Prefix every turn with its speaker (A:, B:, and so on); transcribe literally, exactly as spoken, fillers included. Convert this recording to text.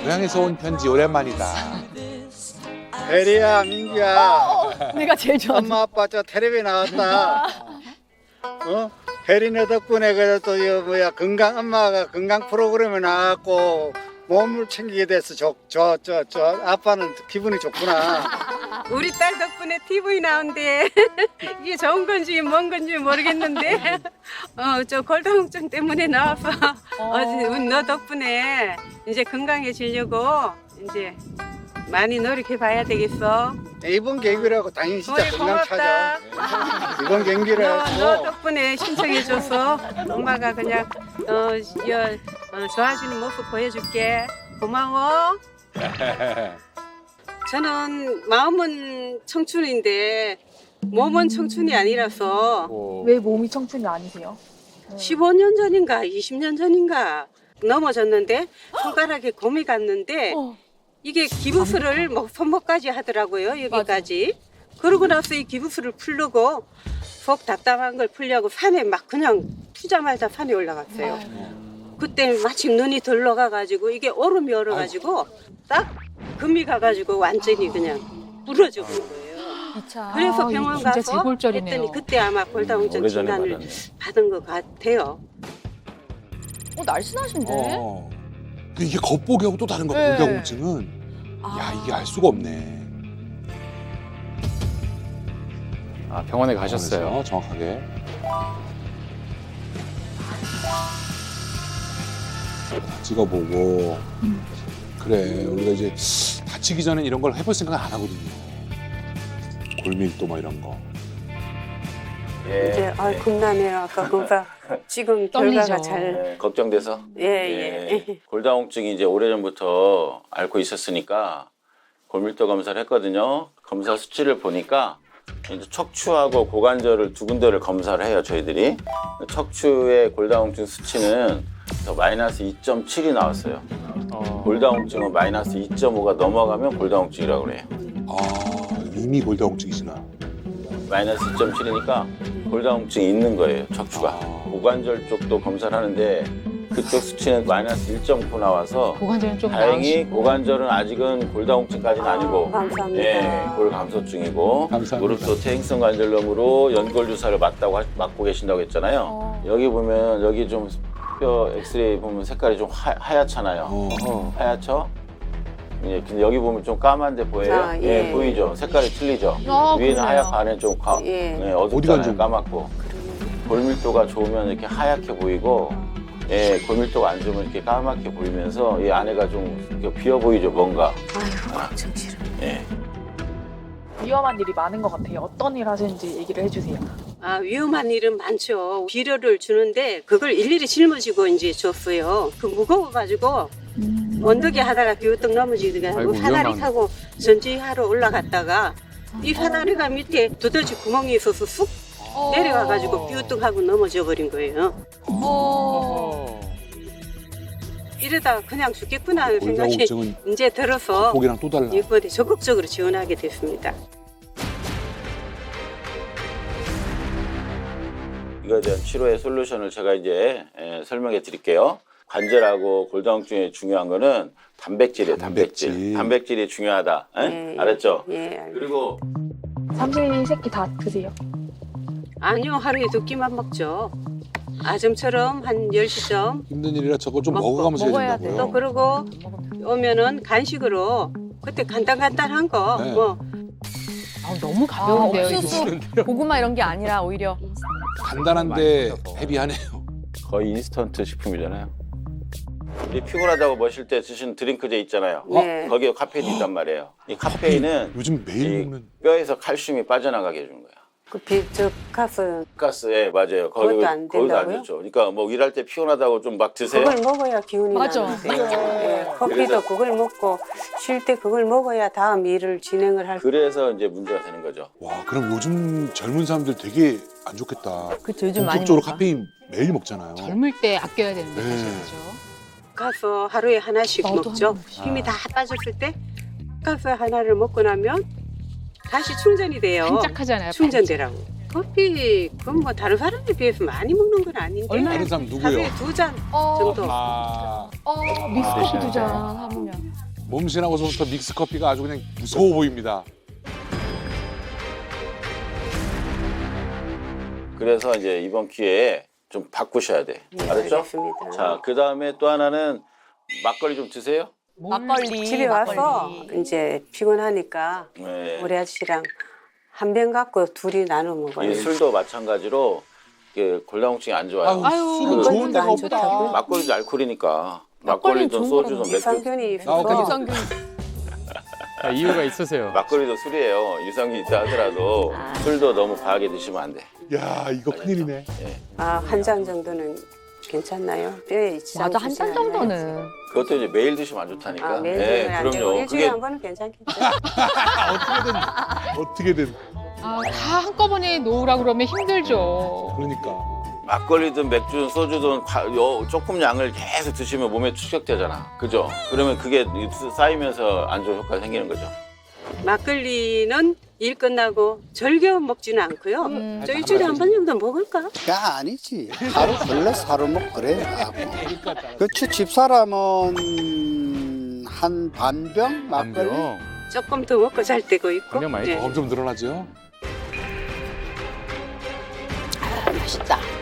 A: 고향에서 온 편지 오랜만이다.
B: 혜리야, 민기야.
C: 내가 제일 좋아하는.
B: 엄마 아빠 저 텔레비 나왔다. 어? 혜리네 덕분에 그래도 저 뭐야 건강 엄마가 건강 프로그램에 나왔고 몸을 챙기게 돼서 저저 저 저 아빠는 기분이 좋구나.
D: 우리 딸 덕분에 티비 나온대. 이게 좋은 건지 뭔 건지 모르겠는데 어 저 골다공증 때문에 나와서 어제 우리 너 덕분에 이제 건강해지려고 이제 많이 노력해 봐야 되겠어.
B: 이번 경기라고 당연히 진짜
D: 어이,
B: 건강 찾아.
D: 고맙다.
B: 이번 경기를
D: 너, 너
B: 했고
D: 덕분에 신청해줘서 엄마가 그냥 어, 여, 어, 좋아지는 모습 보여줄게. 고마워. 저는 마음은 청춘인데 몸은 청춘이 아니라서
C: 왜 몸이 청춘이 아니세요?
D: 십오 년 전인가 이십 년 전인가 넘어졌는데 손가락에 곰이 갔는데
C: 어.
D: 이게 기부스를 뭐 손목까지 하더라고요. 여기까지. 그러고 나서 이 기부스를 풀려고 속 답답한 걸 풀려고 산에 막 그냥 푸자마자 산에 올라갔어요. 그때 마침 눈이 덜 녹아가지고 이게 얼음이 얼어가지고 딱 금이 가가지고 완전히 그냥 부러져 버린 거예요. 그래서
C: 아,
D: 병원
C: 진짜
D: 가서
C: 재골절이네요.
D: 했더니 그때 아마 골다공증
E: 오래전에
D: 진단을
E: 받았네.
D: 받은 것 같아요.
C: 어, 날씬하신데?
A: 어. 근데 이게 겉보기하고 또 다른 거야.
C: 네.
A: 골다공증은. 야, 이게 알 수가 없네.
E: 아, 병원에 가셨어요.
A: 병원에서 정확하게. 다 찍어보고. 그래, 우리가 이제 다치기 전에 이런 걸 해볼 생각 안 하거든요. 골밀도 뭐 이런 거.
E: 예.
D: 이제 아 겁나네요. 아까 그가 지금
C: 떨리죠.
D: 결과가 잘
E: 예, 걱정돼서.
D: 예예.
E: 예. 골다공증이 이제 오래전부터 앓고 있었으니까 골밀도 검사를 했거든요. 검사 수치를 보니까 이제 척추하고 고관절을 두 군데를 검사를 해요, 저희들이. 척추의 골다공증 수치는 더 마이너스 이 점 칠이 나왔어요. 골다공증은 마이너스 이 점 오가 넘어가면 골다공증이라고 그래요.
A: 아, 이미 골다공증이시나.
E: 마이너스 이 점 칠이니까 골다공증이 있는 거예요, 척추가.
A: 아.
E: 고관절 쪽도 검사를 하는데 그쪽 수치는 마이너스 일 점 구 나와서
C: 고관절은 좀
E: 다행히
C: 나으시고.
E: 고관절은 아직은 골다공증까지는 아니고
D: 감사합니다.
E: 예, 골감소증이고
A: 감사합니다.
E: 무릎도 퇴행성 관절염으로 연골 주사를 맞다고 하- 맞고 계신다고 했잖아요.
C: 어.
E: 여기 보면 여기 좀 뼈 엑스레이 보면 색깔이 좀 하, 하얗잖아요.
A: 어.
E: 하얗죠? 예, 근데 여기 보면 좀 까만데 보여요?
D: 아, 예.
E: 예, 보이죠? 색깔이 틀리죠?
C: 아,
E: 위에는
C: 그러네요.
E: 하얗고 안에 좀 가,
D: 예.
E: 네,
A: 어디가
E: 어둡잖아요.
A: 좀-
E: 까맣고. 골밀도가 좋으면 이렇게 하얗게 보이고, 예, 골밀도가 안 좋으면 이렇게 까맣게 보이면서 이 안에가 좀 이렇게 비어 보이죠, 뭔가.
D: 아이고 걱정 싫어.
E: 예.
C: 위험한 일이 많은 것 같아요. 어떤 일 하시는지 얘기를 해주세요.
D: 아 위험한 일은 많죠. 비료를 주는데 그걸 일일이 짊어지고 이제 줬어요. 그 무거워가지고 언덕에 하다가 비우떡 넘어지더니
E: 아이고,
D: 사다리
E: 위험한.
D: 타고 전지하러 올라갔다가 이 사다리가 밑에 두더지 구멍이 있어서 쑥 내려와가지고 비우떡하고 넘어져 버린 거예요.
C: 어.
D: 이러다 그냥 죽겠구나 하는 생각이
A: 골다공증은
D: 이제 들어서
A: 보기랑 또 달라.
D: 이번에 적극적으로 지원하게 됐습니다.
E: 이거에 대한 치료의 솔루션을 제가 이제 예, 설명해 드릴게요. 관절하고 골다공증의 중요한 거는 단백질이에요, 단백질.
A: 단백질.
E: 단백질이 중요하다. 예?
D: 예, 예.
E: 알았죠?
D: 예, 알겠습니다.
E: 그리고
C: 삼시세끼 다 드세요.
D: 아니요, 하루에 두 끼만 먹죠. 아점처럼 한 열 시점.
A: 힘든 일이라 저거 좀
D: 먹고,
A: 먹어가면서 해야
C: 먹어야
A: 된다고요.
D: 또 그러고 오면은 간식으로 그때 간단간단한 거
A: 네.
D: 뭐
F: 아, 너무 가벼운데요, 이거.
C: 옥수수,
F: 고구마 이런 게 아니라 오히려
A: 간단한데
E: 많이 써서.
A: 헤비하네요.
E: 거의 인스턴트 식품이잖아요. 이 피곤하다고 마실 때 드시는 드링크제 있잖아요.
D: 네.
E: 거기에 카페인이 있단 말이에요. 이 카페인은
A: 요즘 매일
E: 이
A: 먹는.
E: 뼈에서 칼슘이 빠져나가게 해주는 거야.
D: 그 비저 가스
E: 가스에 맞아요.
D: 그것도 안
E: 거기도 안
D: 된다고요?
E: 좋죠. 그러니까 뭐 일할 때 피곤하다고 좀 막 드세요.
D: 그걸 먹어야 기운이
F: 맞아.
D: 나는데 예, 커피도
E: 그래서-
D: 그걸 먹고 쉴 때 그걸 먹어야 다음 일을 진행을 할.
E: 그래서 이제 문제가 되는 거죠.
A: 와, 그럼 요즘 젊은 사람들 되게 안 좋겠다.
F: 그쵸, 요즘 많이
A: 본격적으로
F: 먹어요.
A: 카페인 매일 먹잖아요.
F: 젊을 때 아껴야 되는데
A: 네.
F: 사실 그죠?
D: 가서 하루에 하나씩
C: 나도
D: 먹죠.
C: 한 번씩.
D: 힘이 다 빠졌을 때 가서 하나를 먹고 나면 다시 충전이 돼요.
F: 반짝하잖아요.
D: 충전되라고. 커피 그건 뭐 다른 사람에 비해서 많이 먹는 건 아닌데
A: 다른 사람 누구요?
D: 하루에 두 잔
F: 어,
D: 정도.
A: 아,
F: 어, 믹스커피 두 잔 하면.
A: 몸신하고서부터 믹스 커피가 아주 그냥 무서워 보입니다.
E: 그래서 이제 이번 기회에 좀 바꾸셔야 돼.
D: 네,
E: 알았죠?
D: 알겠습니다.
E: 자, 그 다음에 또 하나는 막걸리 좀 드세요.
F: 막걸리.
D: 집에 와서
F: 막걸리.
D: 이제 피곤하니까
E: 네.
D: 우리 아저씨랑 한 병 갖고 둘이 나눠 먹어요.
E: 이 술도 마찬가지로 이게 골다공증이 안 좋아요.
A: 아유,
F: 아유,
A: 술은
D: 그건
A: 좋은 데가
D: 안
A: 없다.
D: 좋다고요?
E: 막걸리도 알코올이니까.
F: 막걸리는
E: 막걸리든
F: 좋은
E: 소주든
F: 거라고.
E: 맥주.
D: 유산균이
A: 아,
D: 있어서
F: 유산균.
G: 아, 이유가 있으세요.
E: 막걸리도 술이에요. 유산균 있다 하더라도 술도 너무 과하게 드시면 안 돼.
A: 야, 이거 큰일이네.
D: 아, 한 잔 정도는 괜찮나요? 뼈에 지장
F: 맞아, 한 잔
D: 주지 않나요?
F: 정도는.
E: 그것도 이제 매일 드시면 안 좋다니까.
D: 아, 매일
E: 네,
D: 드시면 안 되고
E: 그럼요.
D: 일주일에
E: 그게
D: 한 번은 괜찮겠죠?
A: 어떻게든 어떻게든
F: 아, 다 한꺼번에 놓으라 그러면 힘들죠.
A: 그러니까.
E: 막걸리든 맥주든 소주든 과- 요- 조금 양을 계속 드시면 몸에 축적되잖아. 그죠? 그러면 그게 쌓이면서 안 좋은 효과가 생기는 거죠.
D: 막걸리는 일 끝나고 절겨 먹지는 않고요.
F: 음.
D: 저 일주일에 한 번 정도 먹을까?
B: 야 아니지 하루 걸레 하루 먹 그래 그치 집사람은 한 반병 막걸리
G: 안병.
D: 조금 더 먹고 잘 때고 있고.
G: 그냥 많이
D: 네.
A: 점점 늘어나죠?
F: 맛있다.